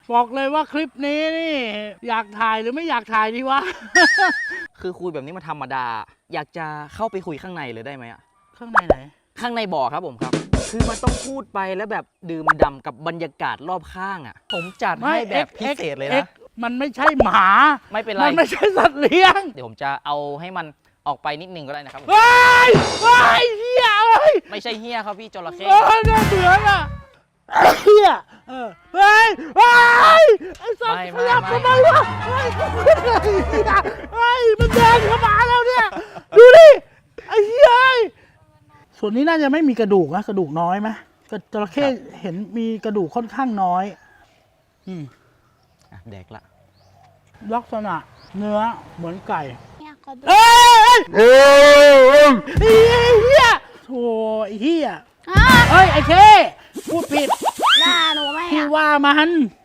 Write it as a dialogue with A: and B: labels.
A: บอกเลยว่าคลิปนี้นี่อยากถ่ายหรือไม่อยากถ่ายดีวะ
B: คือคุยแบบนี้มันธรรมดา อยากจะเข้าไปคุยข้างในเลยได้ไหมอะ
A: ข้างในไหน
B: ข้างในบ่อครับผมครับ คือมันต้องพูดไปแล้วแบบดื่มด่ำกับบรรยากาศรอบข้างอะผมจัดให้แบบพิเศษเลยนะ
A: มันไม่ใช่หมา
B: ไม่เป็นไร
A: มันไม่ใช่สัตว์เลี้ยง
B: เดี๋ยวผมจะเอาให้มันออกไปนิดนึงก็ได้นะครับ
A: ว้ายว้ายเฮียเอ้ย
B: ไม่ใช่เฮียครับพี่จระเข้
A: น่าเบื่ออ่ะเฮียเฮ้ยว้ายไอ้สัตว์ขยับทำไมวะเฮ้ยเฮ้ยมันเดินเข้ามาแล้วเนี่ยดูดิไอ้เฮียส่วนนี้น่าจะไม่มีกระดูกนะกระดูกน้อยไหมจระเข้เห็นมีกระดูกค่อนข้างน้อย
B: แดกละ
A: ลักษณะเนื้อเหมือนไก่
C: เนี่ยเขาดู
A: เอ้ยเฮียโถ่ไอ้เฮียเฮ้ยไอ้เคพูดผิด
C: ด่าหนูไหม
A: พี่
C: อ่ะ
A: ว่ามัน